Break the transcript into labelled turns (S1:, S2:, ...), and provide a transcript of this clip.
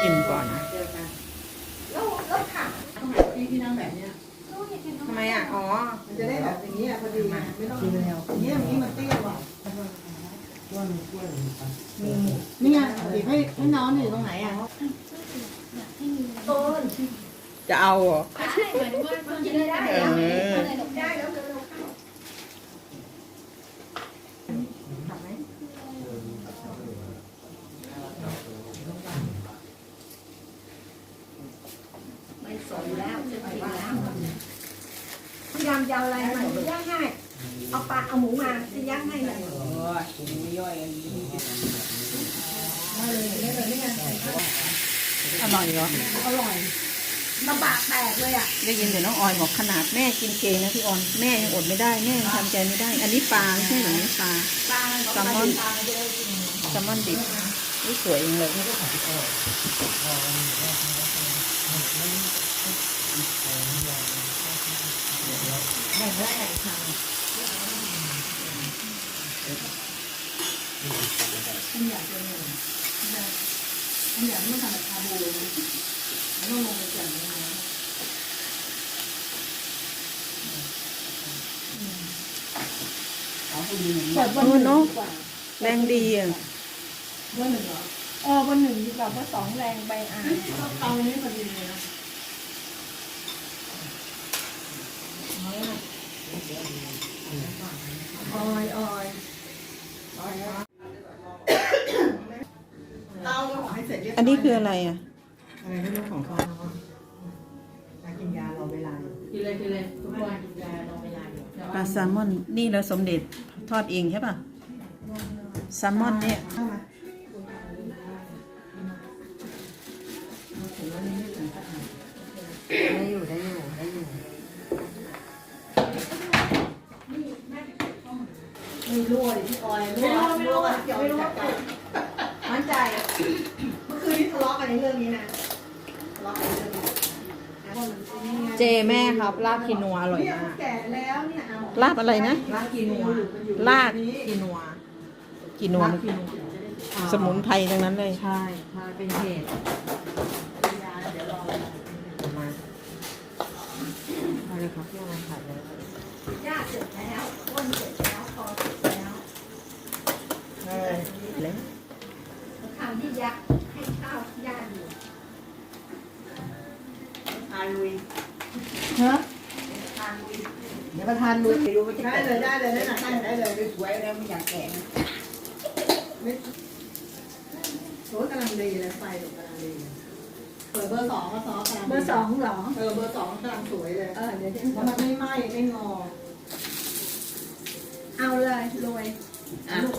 S1: ชิมก่อน
S2: แล้วผักทำไมพี่นั่งแบบเนี้ย
S1: ทำไมอ่ะอ๋อ
S2: มันจะได้แบบอย่างนี้พอดีไม่ต้องกินแล้วอย่างนี้มันเตี้ยกว่านี่ไงบีบให้น้องอยู่ตรงไหนอ่ะต้น
S1: จะเอาเหรอ
S3: ใช่เหมือนว่าคนจะได้แล้วได้แล้วเร็วเข้าทำไหมไม่สนแล้วจะกินแล้วพยายามจะอะไรมันย่างง่ายเอาปลาเอาหมูมาจะย่างง่ายเลย
S1: ย่อยอันนี้อร่อยเหรอ
S3: อร่อยลำบากแตกเลยอ่ะ
S1: ได้ยินแต่น้องออยบอกขนาดแม่กินเจนะพี่ออนแม่ยังอดไม่ได้แม่ยังทำใจไม่ได้อันนี้ปลาไม่ใช่หรือปลาแซลมอนดิบนี่สวยจังเลย
S2: แบ่งได้ค่ะอันอยากจะเนี่ยอันอยากไม่ทำแบบชาบูเลยมันต้องลงไปจัดเลยนะ
S1: เนาะแรงดีอ่ะ
S2: วันหนึ่งเหรอ
S3: วันหนึ่งดีกว่าว่าสองแรงไป
S2: เตานี้พอดีเลยนะออยเตาจะขอให้เสร็จเรียบร้อย
S1: อันนี้คืออะไรอ่ะ
S2: อะไรไม่รู้ของเขากินยารอเวลากินเลยทุกวันกินยารอเวลา
S1: ปลาแซลมอนนี่เราสมเด็จทอดเองใช่ป่ะแซลมอนเนี่ย
S2: ได้อยู่ไม่รู้เลยพี่ออยไม่รู้ว่าเกี่ยวกับมั่นใจเมื่อคืนนี้ทะเลาะกันในเรื่องนี้นะทะเลาะกันเรื่องนี้
S1: เจแม่ครับลาบคีนัวอร่อยมาก
S2: แก่แล้วเนี่ย
S1: ลาบอะไรนะ
S2: ลาบคีนัว
S1: ลาบคีนัวสมุนไพรทั้งนั้นเลย
S2: ใช่เป็นเหตุเดี๋ยวรอ
S1: มาอะไรครับพี่อะไรขาดเลย
S3: ย่าเสร็จแล้วต้นเสร็จแล้วพอเสร็จแล้ว
S1: แล้ว
S3: ทำที่ยักษ์ให้ข้าวย่าอยู่
S2: ทานลุย
S3: ฮะ
S2: ทานลุย
S3: เดี๋ยวประธานลุยไปดูว่าจะ
S2: ได้เลยได้เลยได้เลย
S3: สวยแล้วไม่อยากแก่
S2: ไม่โอ้กำลังดีเลยไฟกำลังดีเปิดเบอร์2ก็ซอสกำลัง
S3: เบอร์2เหรอ
S2: เบอร์2กำลังสวยเลย
S3: เดี๋ยว
S2: เพราะมันไม่ไหม้ไม่งอ
S3: เอาเลยรวย
S2: ลูก